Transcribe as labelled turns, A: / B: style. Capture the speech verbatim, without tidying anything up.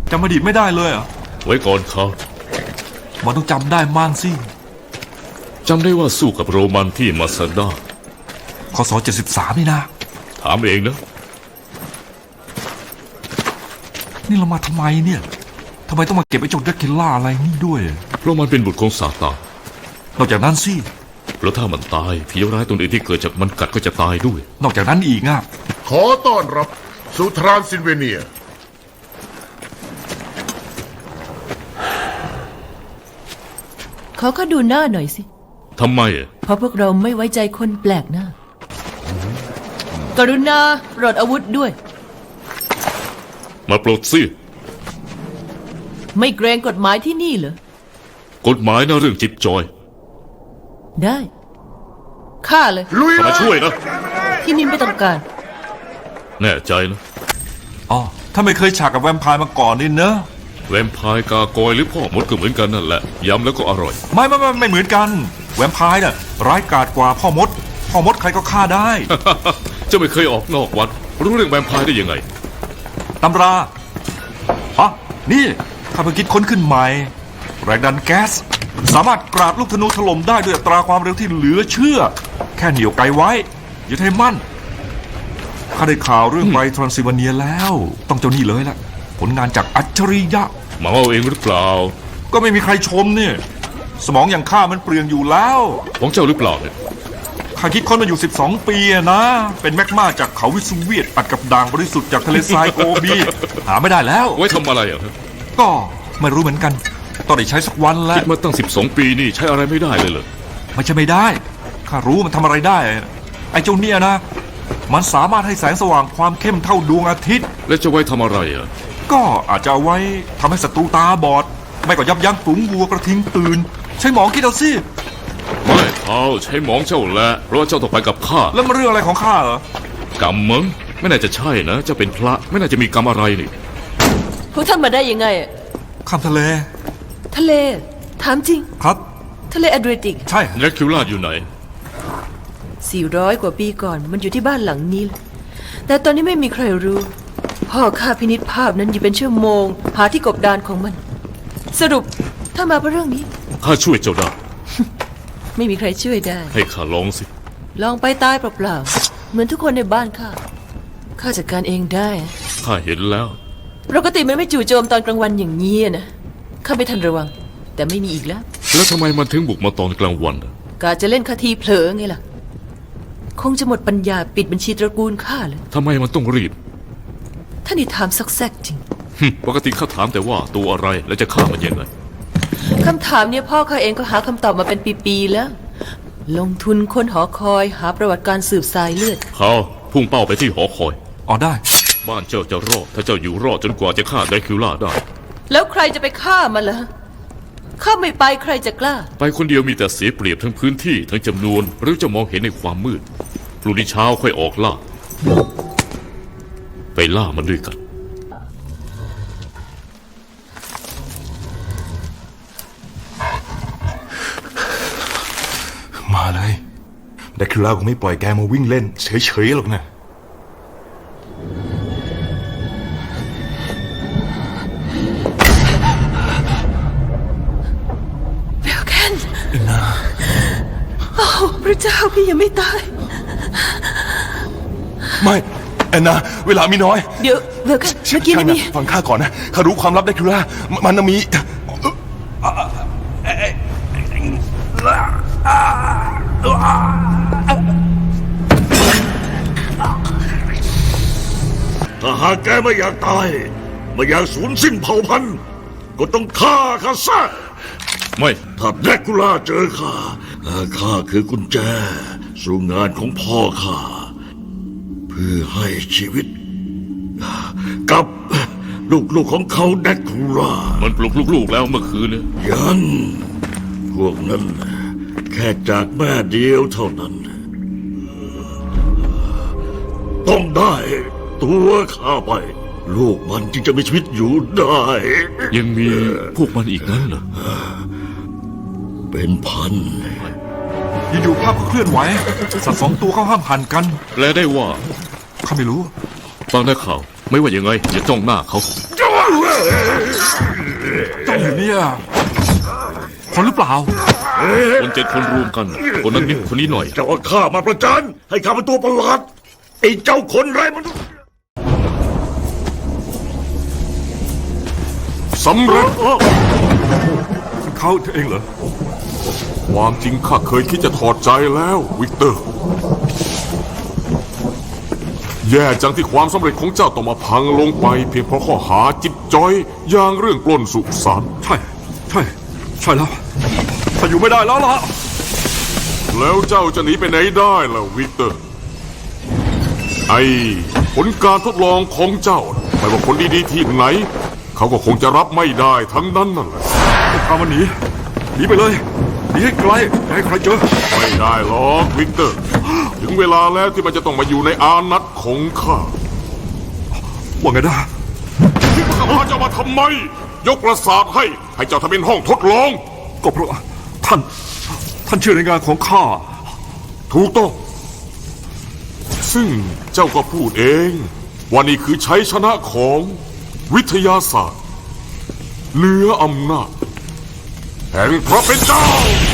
A: จำอดีตไม่ได้เลยอ่ะ
B: ไว้ก่อนเขา
A: มันต้องจำได้มั่งสิ
B: จำได้ว่าสู้กับโรมันที่มาซาด้า
A: คศเจ็ดสิบสามนี่นะ
B: ถามเองนะ
A: นี่เรามาทำไมเนี่ยทำไมต้องมาเก็บไอ้เจ้าเดรคิล่าอะไรนี่ด้วย
B: เพราะมันเป็นบุตรของซาตาน
A: นอกจากนั้นสิ
B: แล้วถ้ามันตายผีร้ายตัวอื่นที่เกิดจากมันกัดก็จะตายด้วย
A: นอกจากนั้นอีกอ่ะ
C: ขอต้อนรับสู่ทรานซิลเวเนีย
D: เขาก็ดูหน้าหน่อยสิ
B: ทำไม
D: เพราะพวกเราไม่ไว้ใจคนแปลกหน้า กรุณาปลดอาวุธด้วย
B: มาปลดสิ
D: ไม่เกรงกฎหมายที่นี่เหรอ
B: กฎหมายนะเรื่องจิบจอย
D: ได้ฆ่าเลย
B: ลุยมาช่วยนะ
D: ที่นี่ไม่ต้องการ
B: แน่ใจนะ
A: อ๋อถ้าไม่เคยฉากกับแวมไพร์มาก่อนนี่เนอะ
B: แวมไพร์กากอยหรือพ่อมดก็เหมือนกันนั่นแหละย้ำแล้วก็อร่อย
A: ไม่ไม่ไม่ไม่เหมือนกันแวมไพร์น่ะร้ายกาจกว่าพ่อมดพ่อมดใครก็ฆ่าได้
B: เจ้าไม่เคยออกนอกวัดรู้เรื่องแวมไพร์ได้ยังไง
A: ตำราฮะนี่ข้าเพิ่งคิดค้นขึ้นใหม่แรงดันแก๊สสามารถกราดลูกธนูถล่มได้ด้วยอัตราความเร็วที่เหลือเชื่อแค่เหนี่ยวไกไว้อย่าให้มั่นข้าได้ข่าวเรื่องไปทรานซิลเวเนียแล้วต้องเจ้านี่เลยล่ะผลงานจากอัจฉริยะ
B: มาเอาเองหรือเปล่า
A: ก็ไม่มีใครชมเนี่ยสมองอย่างข้ามันเปลืองอยู่แล้ว
B: ของเจ้าหรือเปล่าเนี่ย
A: ข้าคิดค้นมาอยู่สิบสองปีนะเป็นแมกมาจากเขาวิสุเวียตอัดกับด่างบริสุทธิ์จากทะเลทรายโกบีหาไม่ได้แล้ว
B: ไว้ทำอะไรอ่ะ
A: ก็ไม่รู้เหมือนกันต้องได้ใช้สักวันแล้ว
B: คิดมาตั้งสิบสองปีนี่ใช้อะไรไม่ได้เลยเหรอ
A: ไม่ใช่ไม่ได้ข้ารู้มันทำอะไรได้ไอ้เจ้าเนี่ยนะมันสามารถให้แสงสว่างความเข้มเท่าดวงอาทิตย์
B: แล้วจะไว้ทำอะไรอ่ะ
A: ก็อาจจะเอาไว้ทำให้ศัตรูตาบอดไม่ก็ยับยั้งฝูงวัวกระทิงตื่นใช้หมองคิดเอาสิ
B: ไม่เขาใช้หมองเจ้าแหละเพราะว่าเจ้าต้องไปกับข้า
A: แล้วมันเรื่องอะไรของข้าเหรอ
B: กรรมมึงไม่น่าจะใช่นะเจ้าเป็นพระไม่น่าจะมีกรรมอะไรนี่
D: พวกท่านมาได้ยังไง
A: ข้ามทะเล
D: ทะเลถามจริง
A: ครับ
D: ทะเลแอตแลนติก
A: ใช่
B: แดร็คิวล่าอยู่ไหน
D: สี่ร้อยกว่าปีก่อนมันอยู่ที่บ้านหลังนี้แต่ตอนนี้ไม่มีใครรู้พ่อข้าพินิจภาพนั้นอยู่เป็นชั่วโมงหาที่กบดานของมันสรุปถ้ามาเพราะเรื่องนี้
B: ข้าช่วยเจ้าได้
D: ไม่มีใครช่วยได้
B: ให้ข้าลองสิ
D: ลองไปตายเปล่าๆเหมือนทุกคนในบ้านข้าข้าจัดการเองได้
B: ข้าเห็นแล้ว
D: ปกติมันไม่จู่โจมตอนกลางวันอย่างนี้นะข้าไม่ทันระวังแต่ไม่มีอีกแล้ว
B: แล้วทำไมมันถึงบุกมาตอนกลางวัน
D: กาจะเล่นคาทีเผลอไงล่ะคงจะหมดปัญญาปิดบัญชีตระกูลข้าเลย
B: ทำไมมันต้องรีบ
D: ท่านนี่ถามซักแซกจริง
B: ปกติข้าถามแต่ว่าตัวอะไรแล้วจะฆ่ามันยังไง
D: คำถามเนี่ยพ่อข้าเองก็หาคำตอบมาเป็นปีๆแล้วลงทุนค้นหอคอยหาประวัติการสืบสายเลือด
B: เขาพุ่งเป้าไปที่หอคอย
A: อ๋อได้
B: บ้านเจ้าจะรอดถ้าเจ้าอยู่รอดจนกว่าจะฆ่าแดร็คิวล่าได้
D: แล้วใครจะไปฆ่ามันล่ะข้าไม่ไปใครจะกล้า
B: ไปคนเดียวมีแต่เสียเปรียบทั้งพื้นที่ทั้งจำนวนหรือจะมองเห็นในความมืดพรุ่งนี้เช้าค่อยออกล่าไปล่ามันด้วยกัน
C: มาเลยแดร็คิวล่าคงไม่ปล่อยแกมาวิ่งเล่นเฉยๆหรอกนะ
D: เบลแคนเอ็นนาโอ้พระเจ้าพี่ยังไม่ตาย
C: ไม่แอนนาเวลามีน้อย
D: เดี๋ยวเบลแคนเมื่อกี้นี่
C: ฟังข้าก่อนนะข้ารู้ความลับแดร็คิวล่ามันมี
E: ถ้าหากแกไม่อยากตายไม่อยากสูญสิ้นเผ่าพันธุ์ก็ต้องฆ่าข้าซะ
B: ไม่
E: ถ้าแดร็กูล่าเจอข้าข้าคือกุญแจสู่งานของพ่อข้าเพื่อให้ชีวิตกับลูกๆของเขาแดร็กูล่า
B: มันปลุกลูกๆแล้วเมื่อคืนเนี่ย
E: ยังพวกนั้นแค่จากแม่เดียวเท่านั้นต้องได้ตัวข้าไปลูกมันจึงจะมีชีวิตอยู่ได้
B: ยังมีพวกมันอีกนั้นเหรอ
E: เป็นพัน
A: อยู่ๆภาพก็เคลื่อนไหวสัตว์สองตัวเขาห้ามหันกัน
B: แปลได้ว่า
A: ข้าไม่รู้
B: ฟังได้ข่าวไม่ว่ายังไงอย่าจ้องหน้าเขา
A: เจ้าอยู่เนี่ยคนหรือเปล่า
B: คนเจ็ดคนรวมกัน คนนั้นนิดคนนี้หน่อย
E: เจ้าเอาข้ามาประจานให้ข้าเป็นตัวประหลาดไอ้เจ้าคนไรมันษย์
C: สำเร็จ
A: เขาเองเหรอ
C: ความจริงข้าเคยคิดจะถอดใจแล้ววิกเตอร์ แย่จังที่ความสำเร็จของเจ้าต้องมาพังลงไป เพียงเพราะข้อหาจิบจอยอย่างเรื่องปล้นสุสาน
A: ใช่ ใช่ ใช่แล้วถ้าอยู่ไม่ได้แล้วล่ะ
C: แล้วเจ้าจะหนีไปไหนได้ล่ะวิกเตอร์ ไอ้ผลการทดลองของเจ้าน่ะไม่ว่าคนดีๆที่ไหน เขาก็คงจะรับไม่ได้ทั้งนั้นนั่นแหละ
A: พามันหนี หนีไปเลย หนีให้ไกลอย่าให้ใครเจอ
C: ไม่ได้หรอกวิกเตอร์ ถึงเวลาแล้วที่มันจะต้องมาอยู่ในอานัตของข้า
A: ว่าไงนะ
C: ที่ข้าพาเจ้ามาทำไม ยกปราสาทให้ให้เจ้าทำเป็นห้องทดลอง
A: ก็เพราะท่าน ท่านเชื่อในงานของข้า
C: ถูกต้อง ซึ่งเจ้าก็พูดเองว่านี่คือชัยชนะของวิทยาศาสตร์เหนืออำนาจแห่งพระเป็นเจ้า